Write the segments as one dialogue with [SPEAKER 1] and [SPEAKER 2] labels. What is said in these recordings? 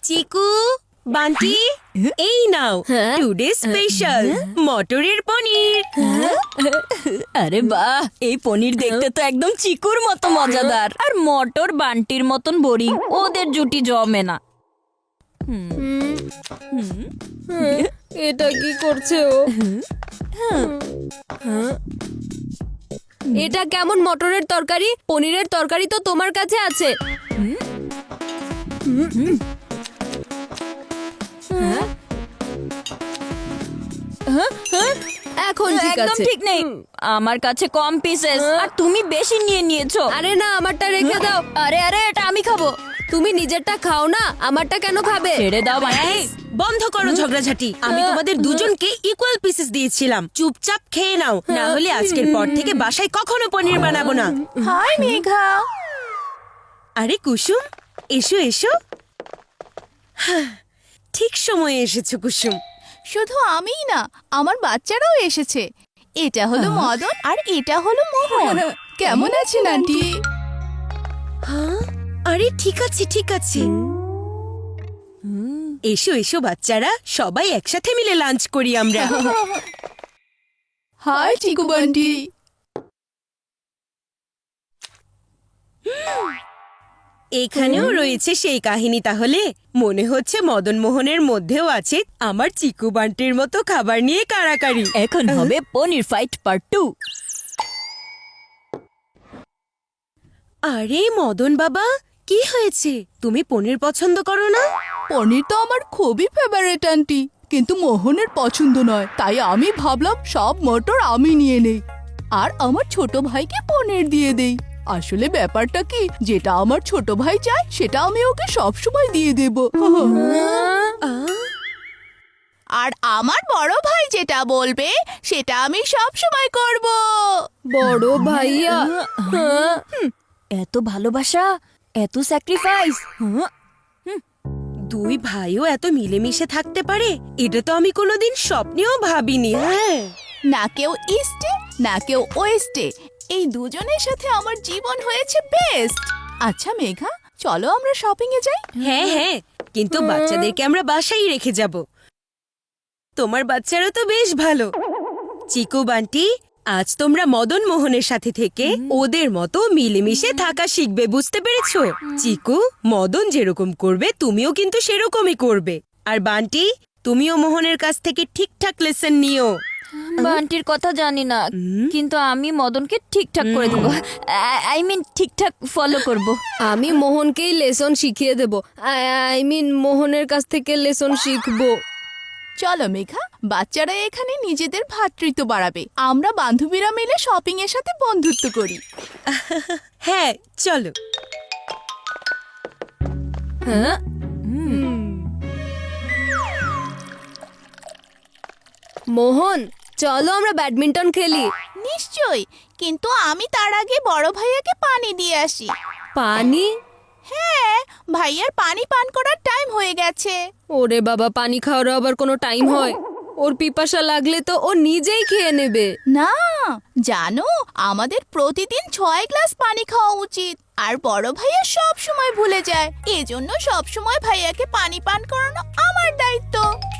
[SPEAKER 1] চিকু, বান্টি, এই নাও today special মটরের পনির।
[SPEAKER 2] আরে বাহ, এই পনির দেখতে তো একদম চিকুর মতো মজাদার, আর মটর বান্টির মতন বোরিং। ওদের জুটি জমে না।
[SPEAKER 3] এটা কি করছে ও? এটা কেমন মটরের তরকারি? পনিরের তরকারি তো তোমার কাছে আছে। এখন ঠিক
[SPEAKER 2] একদম
[SPEAKER 3] আছে।
[SPEAKER 2] ঠিক নেই, আমার কাছে কম পিসেস আর তুমি বেশি নিয়ে নিয়েছো।
[SPEAKER 3] আরে না, আমারটা রেখে দাও।
[SPEAKER 2] আরে আরে, এটা আমি খাবো।
[SPEAKER 3] তুমি নিজেরটা খাও না, আমারটা কেন খাবে?
[SPEAKER 2] ছেড়ে দাও বান্টি।
[SPEAKER 1] বন্ধ করো ঝগড়াঝাটি। আমি তোমাদের দুজনকে ইকুয়াল পিসেস দিয়েছিলাম, চুপচাপ খেয়ে নাও, না হলে আজকের পর থেকে বাসায় কখনো পনির বানাবো না।
[SPEAKER 2] হাই মেঘা।
[SPEAKER 1] আরে কুসুম, এসো এসো। ঠিক সময়ে এসেছো কুসুম।
[SPEAKER 4] শুধু আমিই না, আমার বাচ্চারাও এসেছে। এটা হলো মদন আর এটা হলো মোহন। কেমন আছেন আন্টি?
[SPEAKER 1] হ্যাঁ, আরে ঠিক আছে ঠিক আছে। এসো এসো বাচ্চারা, সবাই একসাথে মিলে লাঞ্চ করি আমরা।
[SPEAKER 4] হাই চিকু বান্টি।
[SPEAKER 1] এখানেও রয়েছে সেই কাহিনী। তাহলে মনে হচ্ছে মদন মোহনের মধ্যেও আছে আমার চিকু বান্টির মতো খাবার নিয়ে কাড়াকাড়ি।
[SPEAKER 2] এখন হবে পনির ফাইট পার্ট 2।
[SPEAKER 1] আরে মদন বাবা, কি হয়েছে? তুমি পনির পছন্দ করো না?
[SPEAKER 4] পনির তো আমার খুবই ফেভারিট আন্টি, কিন্তু মোহনের পছন্দ নয়। তাই আমি ভাবলাম সব মটর আমি নিয়ে নেই আর আমার ছোট ভাইকে পনির দিয়ে দেই। আসলে ব্যাপারটা কি, যেটা আমার ছোট ভাই চায় সেটা আমি ওকে সব সময় দিয়ে দেব। আর আমার বড় ভাই যেটা বলবে সেটা আমি সব সময় করব।
[SPEAKER 3] বড় ভাইয়া,
[SPEAKER 2] এত ভালোবাসা, এত স্যাক্রিফাইস।
[SPEAKER 1] দুই ভাইও এত মিলেমিশে থাকতে পারে, এটা তো আমি কোনোদিন স্বপ্নেও ভাবিনি। হ্যাঁ,
[SPEAKER 4] না কেউ ইস্টে না কেউ ওয়েস্টে, এই দুজনের সাথে আমার জীবন হয়েছে বেস্ট। আচ্ছা মেঘা, চলো আমরা শপিং এ যাই।
[SPEAKER 1] হ্যাঁ হ্যাঁ, কিন্তু বাচ্চাদেরকে আমরা বাসায় রেখে যাব। তোমার বাচ্চারা তো বেশ ভালো। চিকু বান্টি, আজ তোমরা মদন মোহনের সাথে থেকে ওদের মতো মিলেমিশে থাকা শিখবে, বুঝতে পেরেছো? চিকু, মদন যেরকম করবে তুমিও কিন্তু সেরকমই করবে। আর বান্টি, তুমিও মোহনের কাছ থেকে ঠিকঠাক লেসন নিও।
[SPEAKER 2] বান্টির কথা জানি না, কিন্তু আমি মদনকে ঠিকঠাক করে দেবো। আই মিন ঠিকঠাক ফলো করব।
[SPEAKER 3] আমি মোহনকেই লেসন শিখিয়ে দেব। আই মিন মোহনের কাছ থেকে লেসন শিখবো।
[SPEAKER 4] চলো মেঘা, বাচ্চারা এখানে নিজেদের ভ্রাতৃত্ব বাড়াবে, আমরা বান্ধবীরা মিলে শপিং এর সাথে বন্ধুত্ব করি।
[SPEAKER 1] হ্যাঁ চলো।
[SPEAKER 3] হ্যাঁ, মোহন, চলো আমরা ব্যাডমিন্টন খেলি।
[SPEAKER 4] নিশ্চয়ই, কিন্তু আমি তার আগে বড় ভাইয়াকে পানি দিয়ে আসি।
[SPEAKER 3] পানি?
[SPEAKER 4] হ্যাঁ, ভাইয়ার পানি পান করার টাইম হয়ে গেছে।
[SPEAKER 3] ওরে বাবা, পানি খাওয়ারও আবার কোনো টাইম হয়? ওর পিপাসা লাগলে তো ও নিজেই খেয়ে নেবে।
[SPEAKER 4] না, জানো আমাদের প্রতিদিন 6 গ্লাস পানি খাওয়া উচিত, আর বড় ভাইয়া সব সময় ভুলে যায়। এজন্য সব সময় ভাইয়াকে পানি পান করানো আমার দায়িত্ব।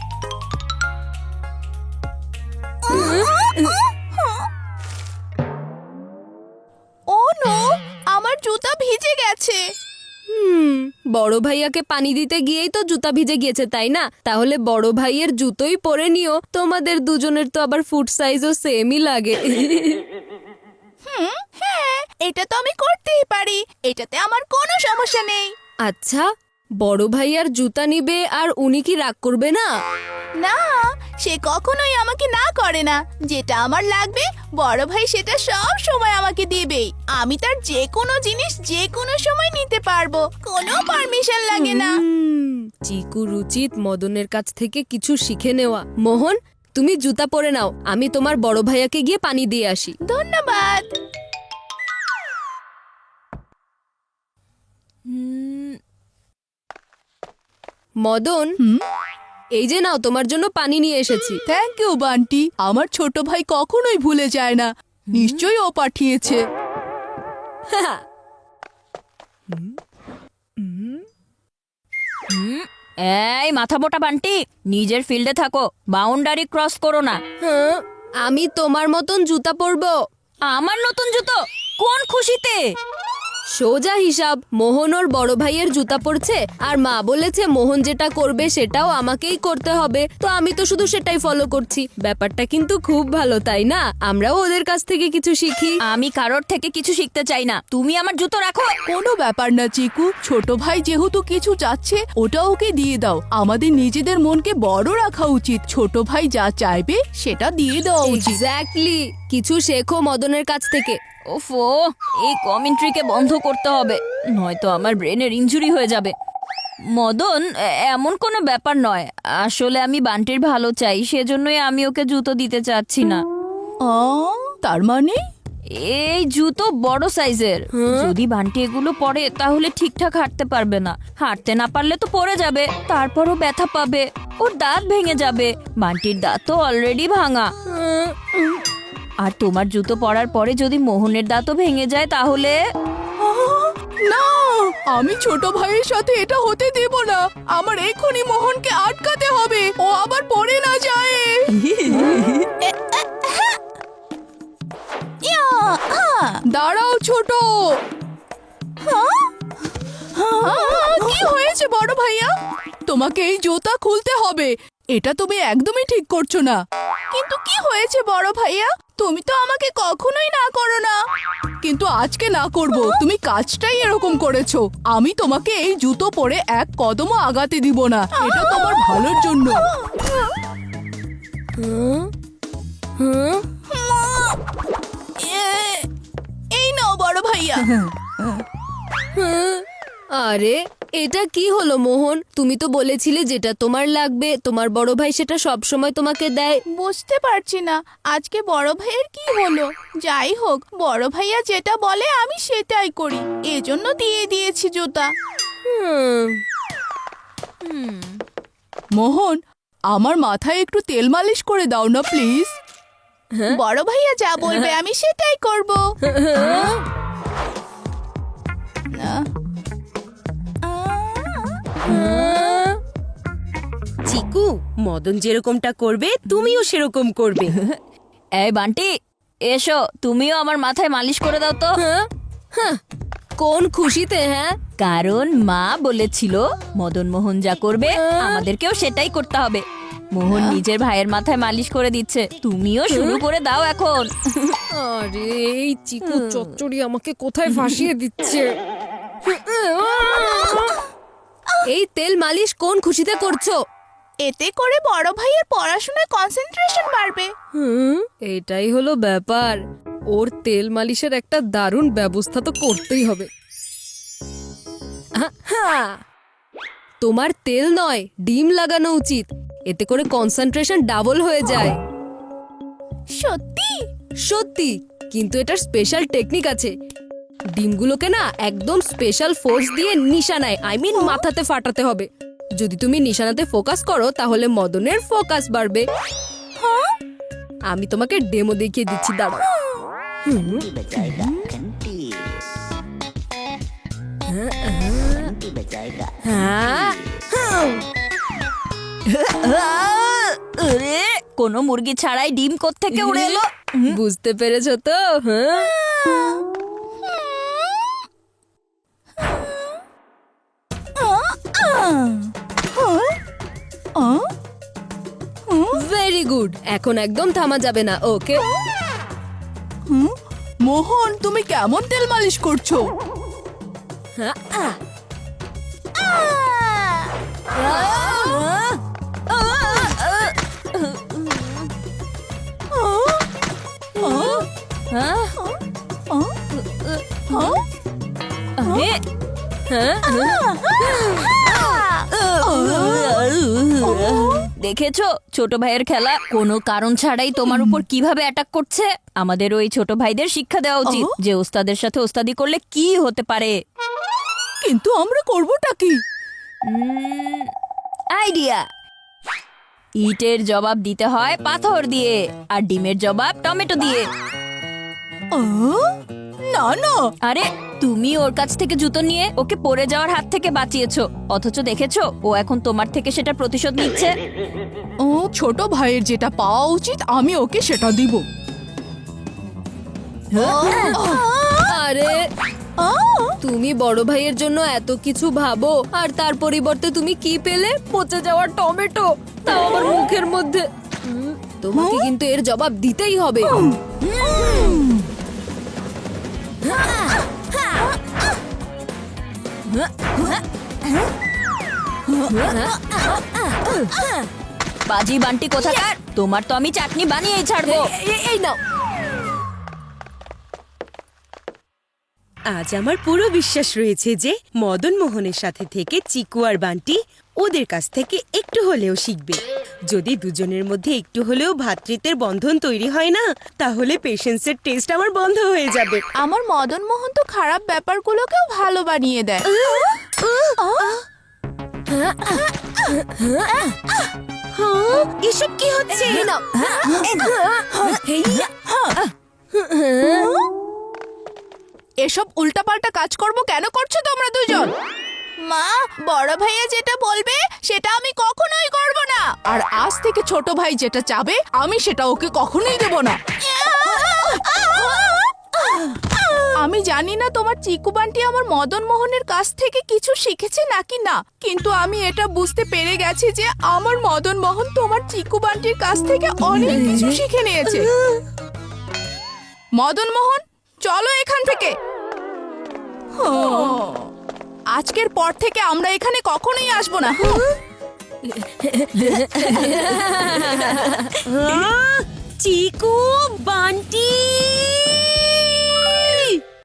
[SPEAKER 4] ও নো, আমার জুতা ভিজে গেছে।
[SPEAKER 3] বড় ভাইয়াকে পানি দিতে গিয়েই তো জুতা ভিজে গিয়েছে, তাই না? তাহলে বড় ভাইয়ের জুতোই পরে নিও। তোমাদের দুজনের তো আবার ফুট সাইজও সেমই লাগে।
[SPEAKER 4] হ্যাঁ, এটা তো আমি করতেই পারি, এটাতে আমার কোনো সমস্যা নেই।
[SPEAKER 3] আচ্ছা, বড় ভাইয়ার জুতা নিবে আর উনি কি রাগ করবে না?
[SPEAKER 4] না, সে কখনোই আমাকে না করে না। যেটা আমার লাগবে বড় ভাই সেটা সব সময় আমাকে দিবেই। আমি তার যে কোনো জিনিস যে কোনো সময় নিতে পারবো, কোনো পারমিশন লাগে না।
[SPEAKER 3] চিকুর উচিত মদনের কাছ থেকে কিছু শিখে নেওয়া। মোহন, তুমি জুতা পরে নাও, আমি তোমার বড় ভাইয়াকে গিয়ে পানি দিয়ে আসি।
[SPEAKER 4] ধন্যবাদ।
[SPEAKER 3] মদন, এই যে নাও, তোমার জন্য পানি নিয়ে এসেছি।
[SPEAKER 4] থ্যাংক ইউ বান্টি, আমার ছোট ভাই কখনোই ভুলে যায় না। নিশ্চয়ই ও পাঠিয়েছে।
[SPEAKER 2] এই মাথা মোটা বান্টি, নিজের ফিল্ডে থাকো, বাউন্ডারি ক্রস করো না।
[SPEAKER 3] হ্যাঁ, আমি তোমার মতন জুতা পরবো।
[SPEAKER 2] আমার নতুন জুতো? কোন খুশিতে?
[SPEAKER 3] সোজা হিসাব, মোহন ওর বড় ভাইয়ের জুতা পরছে আর মা বলেছে মোহন যেটা করবে সেটাও আমাকেই করতে হবে, তো আমি তো শুধু সেটাই ফলো করছি। ব্যাপারটা কিন্তু খুব ভালো, তাই না? আমরাও ওদের কাছ থেকে কিছু শিখি।
[SPEAKER 2] আমি কারোর থেকে কিছু শিখতে চাই না, তুমি আমার জুতো রাখো।
[SPEAKER 4] কোনো ব্যাপার না চিকু, ছোট ভাই যেহেতু কিছু চাচ্ছে ওটা ওকে দিয়ে দাও। আমাদের নিজেদের মনকে বড় রাখা উচিত, ছোট ভাই যা চাইবে সেটা দিয়ে দেওয়া উচিত।
[SPEAKER 3] এক্স্যাক্টলি, কিছু শেখো মদনের কাছ থেকে।
[SPEAKER 2] ওফো, এই কমেন্ট্রিকে বন্ধ করতে হবে, নয়তো আমার ব্রেনের ইনজুরি হয়ে যাবে। মদন, এমন কোনো ব্যাপার নয়, আসলে আমি বান্টির ভালো চাই, সেজন্যই আমি ওকে জুতো দিতে চাচ্ছি না।
[SPEAKER 4] তার মানে
[SPEAKER 2] এই জুতো বড় সাইজের, যদি বান্টি এগুলো পরে তাহলে ঠিকঠাক হাঁটতে পারবে না, হাঁটতে না পারলে তো পড়ে যাবে, তারপরও ব্যথা পাবে, ওর দাঁত ভেঙে যাবে। বান্টির দাঁত তো অলরেডি ভাঙা। আর তোমার জুতো পরার পরে যদি মোহনের দাঁতও ভেঙে যায় তাহলে?
[SPEAKER 4] না, আমি ছোট ভাইয়ের সাথে এটা হতে দেব না। আমার এখনই মোহনকে আটকাতে হবে, ও আবার পড়ে না যায়। দাঁড়াও ছোট। কি হয়েছে বড় ভাইয়া? তোমাকে এই জুতা খুলতে হবে, এটা তুমি একদমই ঠিক করছো না। কিন্তু কি হয়েছে বড় ভাইয়া? তুমি তো আমাকে কখনোই না করো না, কিন্তু আজকে না করব। তুমি কাজটাই এরকম করেছো। আমি তোমাকে এই জুতো পরে এক কদমও আগাতে দিব না, এটা তোমার ভালোর জন্য। এই নাও বড় ভাইয়া।
[SPEAKER 3] আরে এটা কি হলো মোহন? তুমি তো বলেছিলে যেটা তোমার লাগবে তোমার বড় ভাই সেটা সব সময় তোমাকে দেয়।
[SPEAKER 5] বুঝতে পারছি না আজকে বড় ভাইয়ের কি হলো। যাই হোক, বড় ভাইয়া যেটা বলে আমি সেটাই করি, এজন্য দিয়ে দিয়েছি জুতা।
[SPEAKER 4] মোহন, আমার মাথায় একটু তেল মালিশ করে দাও না প্লিজ।
[SPEAKER 5] বড় ভাইয়া যা বলবে আমি সেটাই করব।
[SPEAKER 1] চিকু, মদন যেরকমটা করবে তুমিও সেরকম করবে।
[SPEAKER 2] এই বান্টি, এসো, তুমিও আমার মাথায় মালিশ করে দাও তো।
[SPEAKER 3] কোন খুশিতে? হ্যাঁ,
[SPEAKER 2] কারণ মা বলেছিল মদন মোহন যা করবে আমাদেরকেও সেটাই করতে হবে। মোহন নিজের ভাইয়ের মাথায় মালিশ করে দিচ্ছে, তুমিও শুরু করে দাও এখন।
[SPEAKER 3] আরে এই চিকু চচ্চড়ি আমাকে কোথায় ফাঁসিয়ে দিচ্ছে। এই তেল মালিশ কোন খুশিতে করছো?
[SPEAKER 5] এতে করে বড় ভাইয়ের পড়াশোনায় কনসেন্ট্রেশন বাড়বে।
[SPEAKER 3] এটাই হলো ব্যাপার, ওর তেল মালিশের একটা দারুণ ব্যবস্থা তো করতেই হবে। তোমার তেল নয়, ডিম লাগানো উচিত, এতে করে কনসেন্ট্রেশন ডাবল হয়ে যায়।
[SPEAKER 5] সত্যি?
[SPEAKER 3] সত্যি, কিন্তু এটার স্পেশাল টেকনিক আছে। ডিমগুলোকে না একদম স্পেশাল ফোর্স দিয়ে নিশানায়, মাথাতে ফাটাতে হবে। যদি তুমি নিশানাতে ফোকাস করো তাহলে মদনের ফোকাস বাড়বে। আমি তোমাকে ডেমো দেখিয়ে দিচ্ছি, দাঁড়াও।
[SPEAKER 2] কোনো মুরগি ছাড়াই ডিম কোত্থেকে উড়ে এলো?
[SPEAKER 3] বুঝতে পেরেছো তো? ভেরি গুড, এখন একদম থামা যাবে না, ওকে?
[SPEAKER 4] মোহন, তুমি কেমন তেল মালিশ করছো?
[SPEAKER 2] আরে, দেখেছো ছোট ভাইয়ের খেলা? কোনো কারণ ছাড়াই তোমার উপর কিভাবে অ্যাটাক করছে। আমাদের ওই ছোট ভাইদের শিক্ষা দেওয়া উচিত যে ওস্তাদের সাথে ওস্তাদি করলে কি হতে পারে।
[SPEAKER 4] কিন্তু আমরা করবোটা কি?
[SPEAKER 2] আইডিয়া, ইটের জবাব দিতে হয় পাথর দিয়ে, আর ডিমের জবাব টমেটো দিয়ে।
[SPEAKER 4] না না,
[SPEAKER 2] আরে তুমি ওর কাছ থেকে জুতো নিয়ে ওকে পড়ে যাওয়ার হাত থেকে বাঁচিয়েছো, অথচ দেখেছো ও এখন তোমার থেকে সেটা প্রতিশোধ নিচ্ছে।
[SPEAKER 4] ও ছোট ভাইয়ের যেটা পাওয়া উচিত আমি ওকে সেটা দিব।
[SPEAKER 3] আরে তুমি বড় ভাইয়ের জন্য এত কিছু ভাবো আর তার পরিবর্তে তুমি কি পেলে? পচে যাওয়া টমেটো, তাও আবার মুখের মধ্যে। তোমাকে কিন্তু এর জবাব দিতেই হবে।
[SPEAKER 2] বাজি বান্টি কোথাকার, তোমার তো আমি চাটনি বানিয়েই ছাড়বো।
[SPEAKER 3] এই নাও।
[SPEAKER 1] আজ আমার পুরো বিশ্বাস রয়েছে যে মদন মোহনের সাথে থেকে চিকু আর বান্টি ওদের কাছ থেকে একটু হলেও শিখবে। যদি দুজনের মধ্যে একটু হলেও ভ্রাতৃত্বের বন্ধন তৈরি হয় না, তাহলে পেশেন্সের টেস্ট আমার বন্ধ হয়ে যাবে।
[SPEAKER 5] আমার মদন মোহন তো খারাপ ব্যাপারগুলোকেও ভালো বানিয়ে দেয়।
[SPEAKER 1] হ্যাঁ, এসব কি হচ্ছে?
[SPEAKER 3] এসব উল্টাপাল্টা কাজ করব কেন করছো তোমরা দুজন?
[SPEAKER 5] মা, বড় ভাইয়া যেটা বলবে সেটা আমি কখনোই করব না।
[SPEAKER 4] আর আজ থেকে ছোট ভাই যেটা চাবে আমি সেটা ওকে কখনোই দেব না।
[SPEAKER 5] আমি জানি না তোমার চিকু বান্টি আমার মদন মোহনের কাছ থেকে কিছু শিখেছে নাকি না, কিন্তু আমি এটা বুঝতে পেরে গেছি যে আমার মদন মোহন তোমার চিকু বান্টির কাছ থেকে অনেক কিছু শিখে নিয়েছে। মদন মোহন, চলো এখান থেকে। আজকের পর থেকে আমরা এখানে কখনোই আসবো না।
[SPEAKER 1] চিকু বান্টি